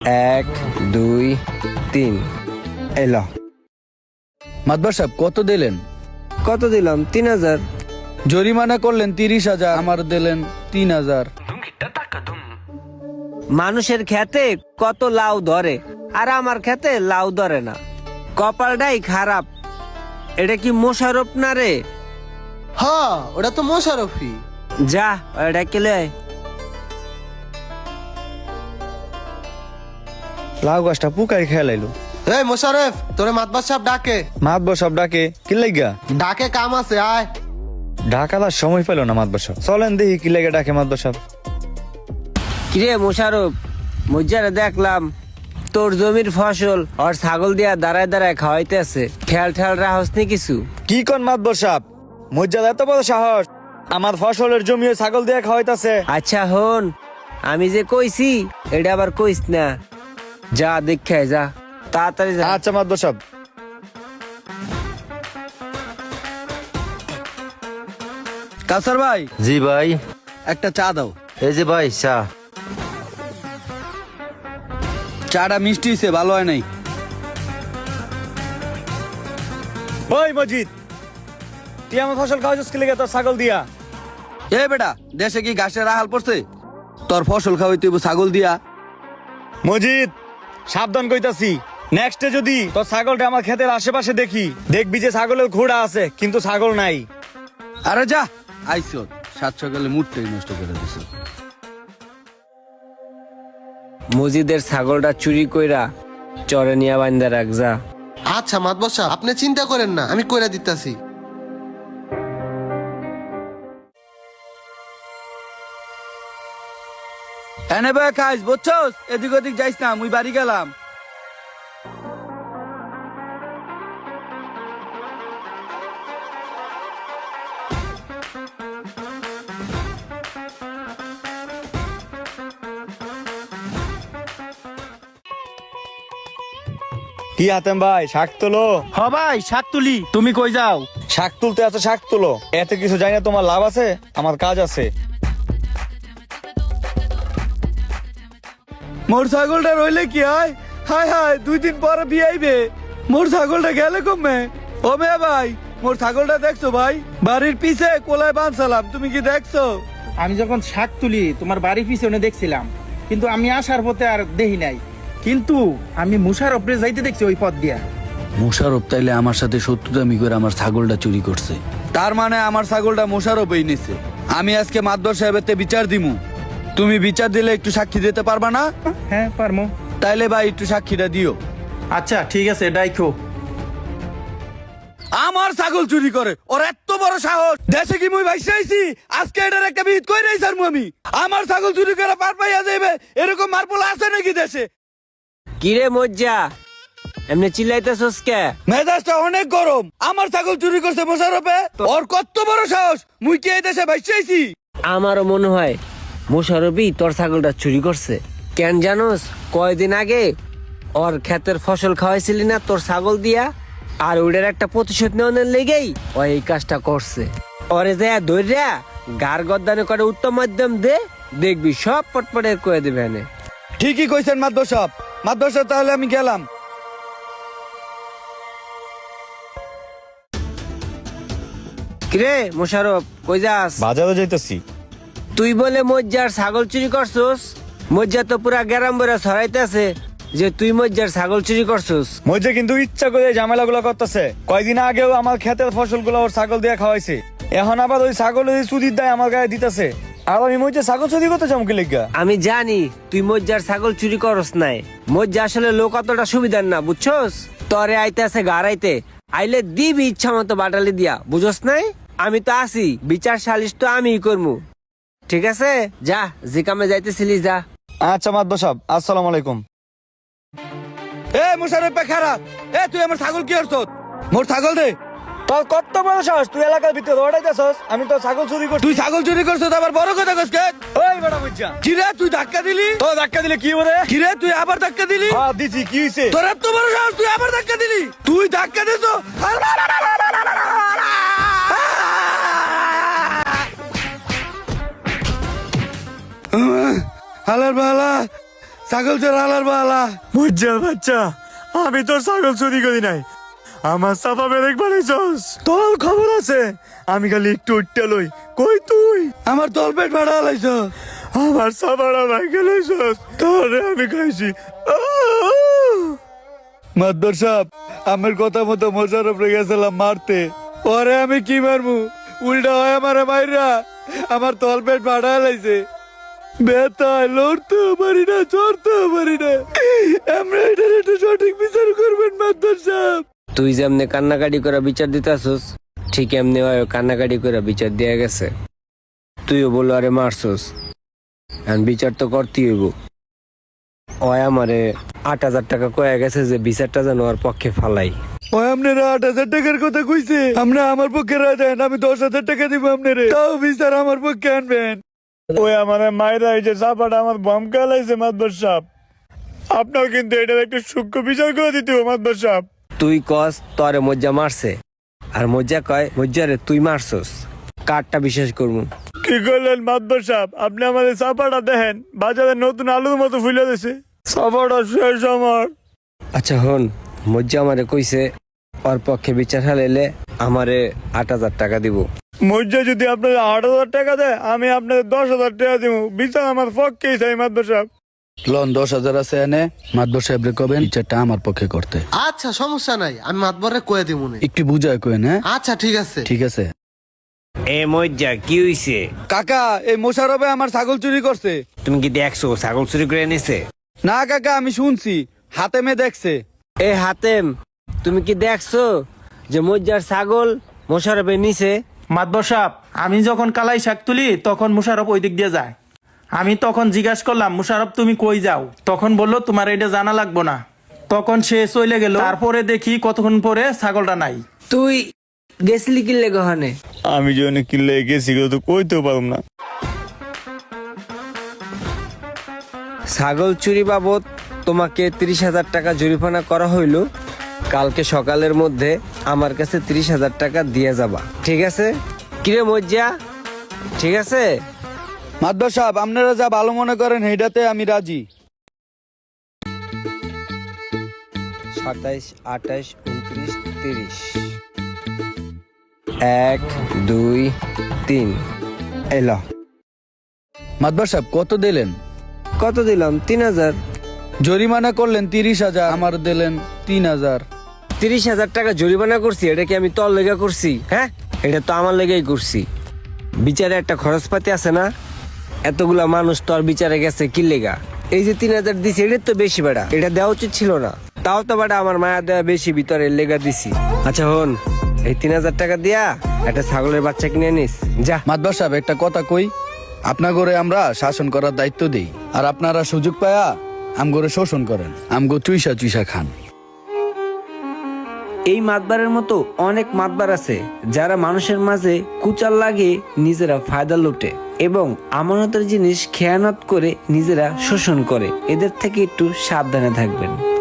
1 2 3 এলো। মাতবার সাহেব কত দিলেন? কত দিলাম? 3000। জরিমানা করলেন 30,000, আমার দিলেন 3000। মানুষের খেতে কত লাউ ধরে আর আমার খেতে লাউ ধরে না, কপালটাই খারাপ। এটা কি মোশারফ না রে? হ্যাঁ, ওটা তো মোশারফি। যা ওটা কেলে লাউ গাছটা পুকাই খেলাইলো। এই মোশারফ, তোরে মাতবার সাহেব ডাকে। মাতবর সব ডাকে কি লাইগা? ডাকে, কাম আছে, আয়। ঢাকালার সময় পেল না মাতবর সব। চলেন দেখি কি লাগে ডাকে মাতবর সব। কিরে মোশারফ, মজ্জারে দেখলাম তোর জমির ফসল আর ছাগল দিয়া দাঁড়ায় দাঁড়ায় খাওয়াইতেছে, খেয়াল ঠেয়াল রাহস নি কিছু? কি কোন মাতবর সাহেব, মজ্জাদ এত বড় সাহস আমার ফসলের জমি ছাগল দিয়ে খাওয়াইতাছে। আচ্ছা হন, আমি যে কইছি এটা আবার কইস না, যা দেখে যা তাড়াতাড়ি যা। আচ্ছা মাতবর সাহেব। কাসার ভাই, জি ভাই। একটা চা দাও। এই যে ভাই চা। চাটা মিষ্টি হইছে, ভালো হয় নাই। ওই মজিদ, তুই আমার ফসল খাওয়াইছিস কি লাগে তোর ছাগল দিয়া? এ বেটা, দেশে কি ঘাসের আহাল পড়ছে? তোর ফসল খাওয়াইতে হইব ছাগল দিয়া। মজিদ, সাবধান কইতাছি, নেক্সটে যদি তোর ছাগলটা আমার ক্ষেতের আশেপাশে দেখি, দেখবি যে ছাগলের ঘোড়া আছে কিন্তু ছাগল নাই। আরে যা আইসো, 7 সকালে মুডটাই নষ্ট করে দিছ। মজিদের ছাগলটা চুরি কইরা চরে নিয়া বান্ধা রাখ যা। আচ্ছা মাতবার সাহেব, আপনি চিন্তা করেন না, আমি কইরা দিতাছি। এনে ভাই খাইস, বুঝছস? এদিক ওদিক যাইস না, মুই বাড়ি গেলাম। কি হাতেম ভাই, শাক তোলো? হ ভাই, শাক তুলি। তুমি কই যাও? শাক তুলতে আছে, শাক তোলো। এত কিছু জানি না, তোমার লাভ আছে, আমার কাজ আছে। মোর ছাগলটা রইলে কি হয়? হায় হায়, 2 দিন পরে বিয়ে আইবে। মোর ছাগলটা গেলে কমে। ও মেয়ে ভাই, মোর ছাগলটা দেখছো ভাই? বাড়ির পিছে কোলায় বাঁধছিলাম, তুমি কি দেখছো? আমি যখন শাক তুলি তোমার বাড়ি পিছনে দেখছিলাম, কিন্তু আমি আসার পথে আর দেখি নাই। কিন্তু আমি মুশারফরে যাইতে দেখছি ওই পথ দিয়া। মোশারফ তাইলে আমার সাথে শত্রুতামি করে আমার ছাগলটা চুরি করছে। তার মানে আমার ছাগলটা মোশারফই নিছে। আমি আজকে মাদবর সাহেবের বিচার দিমু। তুমি বিচার দিলে একটু সাক্ষী দিতে পারবা না? হ্যাঁ পারমো। তাইলে ভাই একটু সাক্ষীটা দিও। আচ্ছা ঠিক আছে, ডাইখো। আমার ছাগল চুরি করে, ওর এত বড় সাহস! দেশে কি মুই ভাইসা আইছি? আজকে এটার একটা বিহিত কই রাইছার আমি। আমার ছাগল চুরি করে পার পাইয়া যাইবে, এরকম মারপোলা আছে নাকি দেশে? কিরে মজ্জা, এমনি চিল্লাইতেছস কে? মেজাজটা অনেক গরম। আমার ছাগল চুরি করছে মোশারফে, ওর কত বড় সাহস! মুই কি এই দেশে ভাইসা আইছি? আমারও মনে হয় মোশারফই তোর ছাগলটা চুরি করছে। কেন জানোস? কয়দিন আগে ওর ক্ষেতের ফসল খাওয়াইছিলি না তোর ছাগল দিয়া, আর ওটার একটা প্রতিশোধ নেওয়ার লেগেই ও এই কাজটা করছে। ওরে যা ধৈর্যা গার গদ্দানে করে উত্তম মাধ্যম দে, দেখবি সব পটপটে করে দেবে এনে। ঠিকই কইছেন মাদবর সাহেব। মাদবর সাহেব, তাহলে আমি গেলাম। কিরে মোশারফ, কই যাস? বাজারে যাইতেছি। তুই বলে মজ্জার ছাগল চুরি করছস? মজ্জা তো পুরা গ্যারাম বইরা ছড়াইতেছে যে তুই মজ্জার ছাগল চুরি করছস। মজে কিন্তু ইচ্ছা করে ঝামেলা গুলো করতেছে। কয়দিন আগেও আমার ক্ষেতের ফসল গুলো ওর ছাগল দিয়ে খাওয়াইছে, এখন আবার ওই ছাগলের চুরির দায় আমার গায়ে দিতেছে। আর আমি মজে ছাগল চুরি করতে চাম কি লিগা? আমি জানি তুই মজ্জার ছাগল চুরি করস নাই। মজ্জা আসলে লোক অতটা সুবিধার না, বুঝছস? তরে আইতেছে গাড়াইতে, আইলে দিবি ইচ্ছা মতো বাটালি দিয়া, বুঝস নাই? আমি তো আছি, বিচার সালিশ তো আমিই করমু। ঠিক আছে, যা যে কামে যাইতেছিলি যা। আচ্ছা মাদবর সাহেব, আসসালামু আলাইকুম। এ মোশারফ খারাপ, এ তুই আমার ছাগল কি করছ? মোর ছাগল দে। তোর কত বড় সাহস, তুই এলাকার ভিতরে দৌড়াইতেছস? আমি তো ছাগল চুরি করছি। তুই ছাগল চুরি করছ, আবার বড় কথা কস কে? ওই বড় মজ্জা, কি রে, তুই ধাক্কা দিলি? তো ধাক্কা দিলে কি হবে? কি রে, তুই আবার ধাক্কা দিলি? হ্যাঁ দিছি, কি হইছে? তোর এত বড় সাহস, তুই আবার ধাক্কা দিলি? তুই ধাক্কা দিছ? হালার বালা, ছাগল চোর আলার বালা। মজ্জার বাচ্চা, আমি তোর ছাগল চুরি করি নাই, আমার চাপা বেরেক বানাইছস। তোর খবর আছে, আমি খালি একটু উঠতে লই। কই তুই? আমার তলপেট ভাড়া লাইছ। আমার চাপাটা ভাইকে লইছস, তোরে আমি খাইছি। মাদবর সাহেব, আমার কথা মতো মোশারফ রে গেছিলাম মারতে, পরে আমি কি মারমু, উল্টা হয় আমার মাইরা আমার তলপেট ভাড়া লাইছে। বেতায় লড়তেও পারি না, চড়তেও পারি না। আমরা এটার একটু সঠিক বিচার করবেন মাদবর সাহেব। তুই যেমনে কান্নাকাটি করে বিচার দিতেছস, ঠিক এমনি হয় কান্নাকাটি করে বিচার দেয়া গেছে। তুইও বলো আরে মারছস, এখন বিচার তো করতেই হইব। ওই আমারে 8,000 টাকা কয়ে গেছে যে বিচারটা যেন ওর পক্ষে ফালাই। ওই আপনারা 8,000 টাকার কথা কইছে, আমরা আমার পক্ষে রায় দেন, আমি 10,000 টাকা দিব আপনারে, তাও বিচার আমার পক্ষে আনবেন। ওই আমার মায়েরা এই যে চাপাটা আমার বম কালাইছে মাদবর সাহেব, আপনার কিন্তু এটার একটু সূক্ষ্ম বিচার করে দিতে হবে মাদবর সাহেব। তুই কস তরে মজ্জা মারছে, আর মজ্জা কয় মজ্জারে তুই মারছস। কারটা বিশ্বাস করবো? কি করলেন মাদবর সাহেব? আপনি আমাদের চাপাটা দেখেন, বাজারে নতুন আলুর মতো ফুলে দিছে। চাপাটা শেষ আমার। আচ্ছা হন, মজ্জা আমারে কইছে ওর পক্ষে বিচার হালাইলে আমারে 8,000 টাকা দিব। মজ্জা যদি আপনাদের 8,000 টাকা দেয়, আমি আপনাদের 10,000 টাকা দিব। বিচার আমার পক্ষেই চাই মাদবর সাহেব। লন 10,000 আছে এনে, মাদবর সাহেব রে কবেন বিচারটা আমার পক্ষে করতে। আচ্ছা সমস্যা নাই, আমি মাতবরে কয়ে দিব নে। একটু বুঝায় কইন। হ্যাঁ আচ্ছা ঠিক আছে। ঠিক আছে। এ মজ্জা কি হইছে? কাকা, এই মোশারফে আমার ছাগল চুরি করছে। তুমি কি দেখছো ছাগল চুরি করে এনেছে? না কাকা, আমি শুনছি, হাতে মে দেখছে। এ হাতেম, তুমি কি দেখছো যে মজ্জার ছাগল মোশারফে নিছে? মাতবর সাহেব, আমি যখন কালাই শাক তুলি তখন মুশারফ ওই দিক দিয়ে যায়। আমি তখন জিজ্ঞাসা করলাম, মুশারফ তুমি কই যাও? তখন বললো তোমার এটা জানা লাগবো না। তখন সে চলে গেল। তারপরে দেখি কতক্ষণ পরে ছাগলটা নাই। তুই গেছলি কিনলে গহনে? আমি যে অনেক কিনলে গেছি, তো কইতেও পারব না। ছাগল চুরি বাবদ তোমাকে 30,000 টাকা জরিমানা করা হইল। কালকে সকালের মধ্যে আমার কাছে 30,000 টাকা দিয়ে যাবা, ঠিক আছে? কিরে মজ্জা, ঠিক আছে? মাদবর সাহেব, আপনারা যা ভালো মনে করেন সেইটাতে আমি রাজি। 27, 28, 29, 30। 1, 2, 3 এলো। মাদবর সাহেব কত দিলেন? কত দিলাম? 3,000। জরিমানা করলেন 30,000, আমার দিলেন 3,000। 30,000 টাকা জরিমানা করছি, এটা কি আমি তোর লেগে করছি? হ্যাঁ, এটা তো আমার লেগেই করছি। বিচারে একটা খরচপাতি আছে না? এতগুলা মানুষ তোর বিচারে গেছে কি লেগা? এই যে 3,000 দিছি, এটা তো বেশি বেড়া, এটা দেওয়া উচিত ছিল না। তাও তো বেটা আমার মায়া দেওয়া বেশি, ভিতরে লেগা দিছি। আচ্ছা হন, এই 3,000 টাকা দিয়া একটা ছাগলের বাচ্চা কিনে নিস যা। মাদবর সাহেব একটা কথা কই, আপনার ঘরে আমরা শাসন করার দায়িত্ব দেই, আর আপনারা সুযোগ পায়া আমগরে শোষণ করেন, আমগো চুইসা চুইসা খান। এই মাতবারের মতো অনেক মাতবার আছে যারা মানুষের মাঝে কুচাল লাগে নিজেরা ফায়দা লুটে এবং আমানতের জিনিস খেয়ানত করে নিজেরা শোষণ করে। এদের থেকে একটু সাবধানে থাকবেন।